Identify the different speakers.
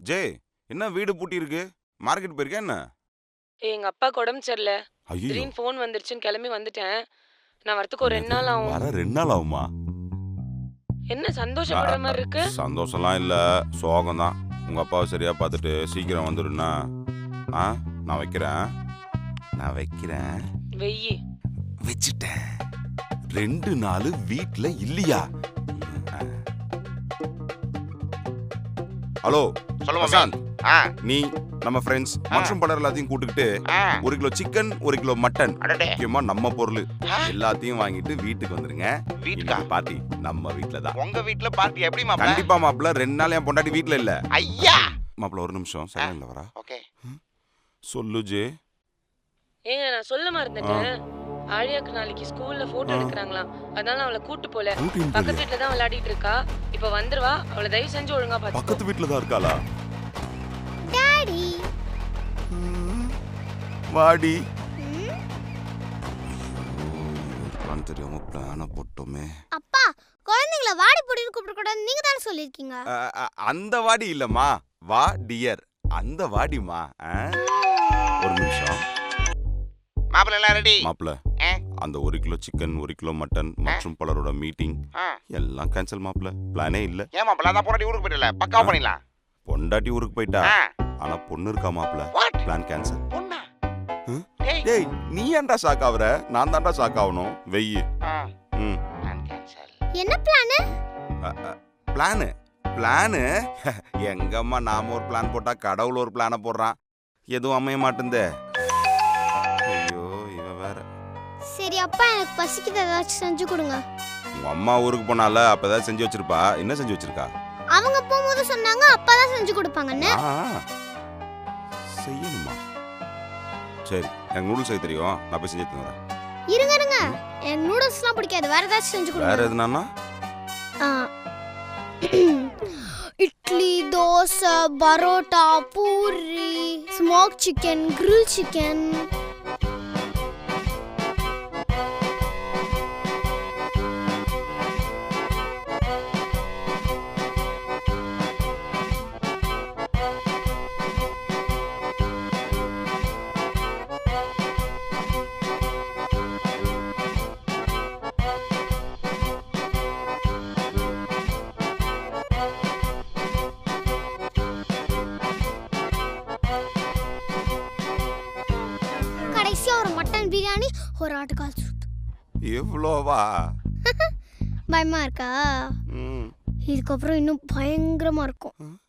Speaker 1: J, என்ன வீடு பூட்டி இருக்கு? மார்க்கெட் போயிருக்கா என்ன?
Speaker 2: எங்க அப்பாக்கு உடம்பு சரியில்ல.
Speaker 1: ஐயோ,
Speaker 2: திடீர்னு ஃபோன் வந்துருச்சுன்னு கிளம்பி வந்துட்டேன். நான் வரத்துக்கு ஒரு 2
Speaker 1: என்னது?
Speaker 2: நாள் ஆகும்.
Speaker 1: வர 2 நாள் ஆகுமா?
Speaker 2: என்ன சந்தோஷப்படுற மாதிரி இருக்கு?
Speaker 1: சந்தோஷம்லாம் இல்ல, சோகம் தான். உங்க அப்பாவை சரியா பார்த்துட்டு சீக்கிரம் வந்துடுனா? நான் வைக்கிறேன்.
Speaker 2: வெய்யி.
Speaker 1: வச்சுட்டேன். 2 நாள் வீட்ல இல்லையா? ஹலோ
Speaker 3: சொல்லுங்க
Speaker 1: பிரசாந்த்,
Speaker 3: ஆ
Speaker 1: நீ நம்ம ஃப்ரெண்ட்ஸ் மற்றும் பலர் எல்லாத்தையும் கூட்டுக்கிட்டு
Speaker 3: ஆ
Speaker 1: 1 கிலோ சிக்கன் 1 கிலோ மட்டன்,
Speaker 3: அடடே
Speaker 1: முக்கியமா நம்ம பொருள்
Speaker 3: ஆ,
Speaker 1: எல்லாத்தையும் வாங்கிட்டு வீட்டுக்கு வந்துருங்க.
Speaker 3: வீட்டுக்கா
Speaker 1: இன்னைக்கு பார்ட்டி நம்ம வீட்ல தான்.
Speaker 3: உங்க வீட்ல பார்ட்டி எப்படி மாப்ள?
Speaker 1: கண்டிப்பா மாப்பிள்ள, 2 நாள் என் பொண்டாட்டி வீட்ல இல்ல.
Speaker 3: ஐயா
Speaker 1: மாப்பிள்ள ஒரு நிமிஷம் சைலண்ட்ல வரா.
Speaker 3: ஓகே
Speaker 1: சொல்லு ஜே.
Speaker 2: ஏங்க நான் சொல்ல மறந்துட்டேன். ஆழியாக்கு நாளைக்கு ஸ்கூல்ல போட்டோ எடுக்கறாங்களாம். அதனால அவளை கூட்டு போல.
Speaker 1: கூட்டின்னு
Speaker 2: பக்கத்து
Speaker 1: போறியா?
Speaker 2: வீட்ல தான் விளையாடிட்டு இருக்கா. இப்ப வந்துருவா. அவளை தயவு செஞ்சு ஒழுங்கா பாத்துக்கோ.
Speaker 1: பக்கத்து வீட்ல தான் இருக்காளா?
Speaker 4: டாடி
Speaker 1: வாடி. பிளான் தெரியாம பிளான போட்டோமே.
Speaker 4: அப்பா குழந்தைங்கள வாடி பொடின்னு கூப்பிடக்கூடாது நீங்க தானே சொல்லியிருக்கீங்க.
Speaker 1: அந்த வாடி இல்லம்மா, வா டியர், அந்த வாடிமா. ஒரு நிமிஷம்
Speaker 3: மாப்ள எல்லாம் ரெடி
Speaker 1: மாப்பிள்ள, அந்த 1 கிலோ சிக்கன் 1 கிலோ மட்டன் மற்றும் பலரோட மீட்டிங் எல்லாம் கேன்சல் மாப்பிள்ள. பிளானே இல்ல.
Speaker 3: ஏன் மாப்ள அதான் போராடி ஊருக்கு போயிடல பக்காவா பண்ணிடலாம்.
Speaker 1: பொண்டாட்டி ஊருக்கு போயிட்டா,
Speaker 3: ஆ,
Speaker 1: ஆனா பொண்ணு இருக்கா மாப்பிள்ள.
Speaker 3: what?
Speaker 1: Plan cancel.
Speaker 3: பொண்ணா?
Speaker 1: ம்?
Speaker 3: டேய்.
Speaker 1: டேய், நீ ஏன்டா ஷாக் ஆவற? நான் தான்டா ஷாக் ஆகணும். வெய்யி.
Speaker 3: ஆ,
Speaker 1: ம்.
Speaker 3: plan cancel.
Speaker 4: என்ன பிளான்?
Speaker 1: பிளானு எங்கம்மா, நாம ஒரு பிளான் போட்டா கடவுள் ஒரு பிளான போடுறான். எதுவும் அமைய மாட்டேந்தே. ஐயோ, இவ வேற.
Speaker 4: சரி அப்பா எனக்கு பசிக்குது ஏதாச்சும் செஞ்சு கொடுங்க.
Speaker 1: உங்க அம்மா ஊருக்கு போனால அப்ப ஏதாவது செஞ்சு வச்சிருப்பா. என்ன செஞ்சு வச்சிருக்கா?
Speaker 4: அவங்க போகும்போது சொன்னாங்க அப்பா தான் செஞ்சு கொடுப்பாங்கன்னு.
Speaker 1: செய்யணுமா? சரி, எனக்கு நூடுல்ஸ் செய்ய தெரியும், நான் போய் செஞ்சு எடுத்துன்னு வரேன்.
Speaker 4: இருங்க எனக்கு நூடுல்ஸ்லாம் பிடிக்காது, வேற ஏதாச்சும் செஞ்சு
Speaker 1: வேற
Speaker 4: கொடுங்க.
Speaker 1: எதுனா?
Speaker 4: Idli, dosa, parotta, puri, smoke chicken, grill chicken. கடைசியா ஒரு மட்டன் பிரியாணி, ஒரு ஆட்டுக்கால் சூப்.
Speaker 1: எவ்வளோவா?
Speaker 4: பயமா இருக்கா?
Speaker 1: ம்.
Speaker 4: இதுக்கப்புறம் இன்னும் பயங்கரமா இருக்கும்.